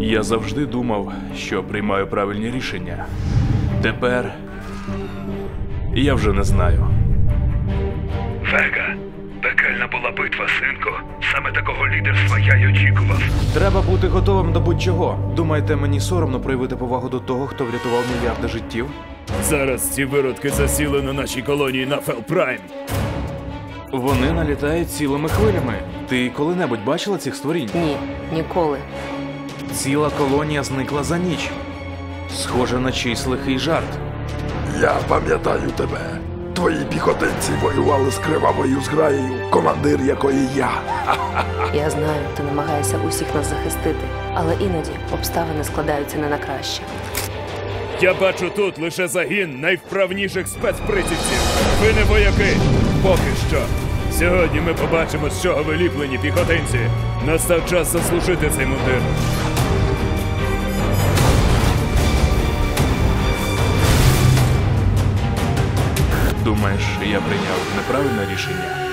Я завжди думав, що приймаю правильні рішення. Тепер я вже не знаю. Вега, пекельна була битва, синку. Саме такого лідерства я й очікував. Треба бути готовим до будь-чого. Думаєте, мені соромно проявити повагу до того, хто врятував мільярди життів? Зараз ці виродки засіли на нашій колонії на Фелпрайм. Вони налітають цілими хвилями. Ти коли-небудь бачила цих створінь? Ні, ніколи. Ціла колонія зникла за ніч. Схоже на чийсь лихий жарт. Я пам'ятаю тебе. Твої піхотинці воювали з кривавою зграєю, командир якої я. Я знаю, ти намагаєшся усіх нас захистити, але іноді обставини складаються не на краще. Я бачу тут лише загін найвправніших спецприцівців. Ви не вояки. Поки що. Сьогодні ми побачимо, з чого виліплені піхотинці. Настав час заслужити цей мундир. Думаєш, я прийняв неправильне рішення?